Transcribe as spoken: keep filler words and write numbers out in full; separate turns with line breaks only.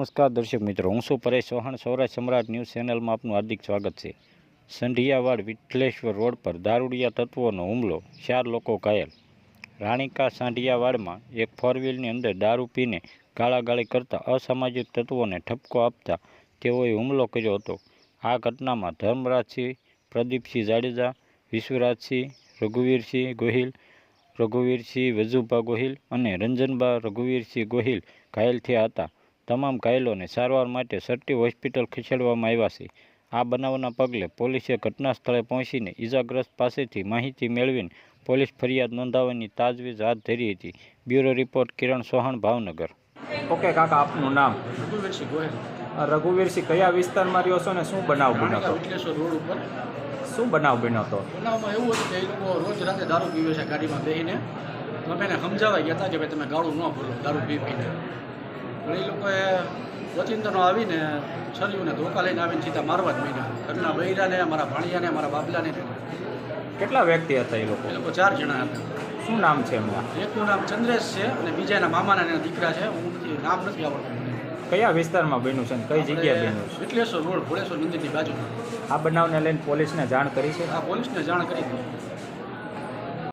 નમસ્કાર દર્શક મિત્રો, હું છું પરેશ ચૌહાણ. સૌરાષ્ટ્ર સમ્રાટ ન્યૂઝ ચેનલમાં આપનું હાર્દિક સ્વાગત છે. સંઢિયાવાડ વિઠ્ઠલેશ્વર રોડ પર દારૂડિયા તત્વોનો હુમલો, ચાર લોકો ઘાયલ. રાણીકા સાંઢિયાવાડમાં એક ફોર વ્હીલની અંદર દારૂ પીને ગાળાગાળી કરતા અસામાજિક તત્વોને ઠપકો આપતા તેઓએ હુમલો કર્યો હતો. આ ઘટનામાં ધર્મરાજસિંહ, પ્રદીપસિંહ જાડેજા, વિશ્વરાજસિંહ, રઘુવીરસિંહ ગોહિલ, રઘુવીરસિંહ વજુભા ગોહિલ અને રંજનબા રઘુવીરસિંહ ગોહિલ ઘાયલ થયા હતા. તમામ ઘાયલોને સારવાર માટે સરટી હોસ્પિટલ ખસેડવામાં આવ્યા છે. આ બનાવના પગલે પોલીસે ઘટના સ્થળે પહોંચીને ઇજાગ્રસ્ત પાસેથી માહિતી મેળવીને પોલીસ ફરિયાદ નોંધાવવાની તાજવીજ હાથ ધરી હતી. Bureau report Kiran Chauhan, Bhavnagar.
Okay કાકા, આપનું નામ?
રઘુવીરસિંહ ગોહિલ.
રઘુવીરસિંહ, કયા વિસ્તારમાં રહ્યો છો ને શું બનાવ બન્યો હતો?
વિઠ્ઠલેશ્વર રોડ ઉપર
શું બનાવ બન્યો હતો?
બનાવમાં એવું હતું કે એ લોકો રોજ રાતે દારૂ પીવે છે ગાડીમાં બેસીને. તો અમે એને સમજાવવા ગયા હતા કે ભાઈ તમે ગાળું ન બોલો દારૂ પી પીને. પણ એ લોકોએ વચિંતનો આવીને છરીઓને ધોકા લઈને આવીને સીધા મારવા જ માંડ્યા. ઘરના બૈરાને, મારા ભાણિયાને, મારા બાબલાને.
કેટલા વ્યક્તિ હતા એ લોકો?
એ લોકો ચાર જણા હતા.
શું નામ છે એમના?
એકનું નામ ચંદ્રેશ છે અને બીજા એના મામાના એના દીકરા છે. હું નથી નામ નથી આવડતું મને.
કયા વિસ્તારમાં બન્યું છે ને કઈ જગ્યાએ બન્યું છે?
વિઠ્ઠલેશ્વર રોડ ભોળેશ્વર મંદિરની બાજુ.
આ બનાવને લઈને પોલીસને જાણ કરી છે?
આ પોલીસને જાણ કરી હતી.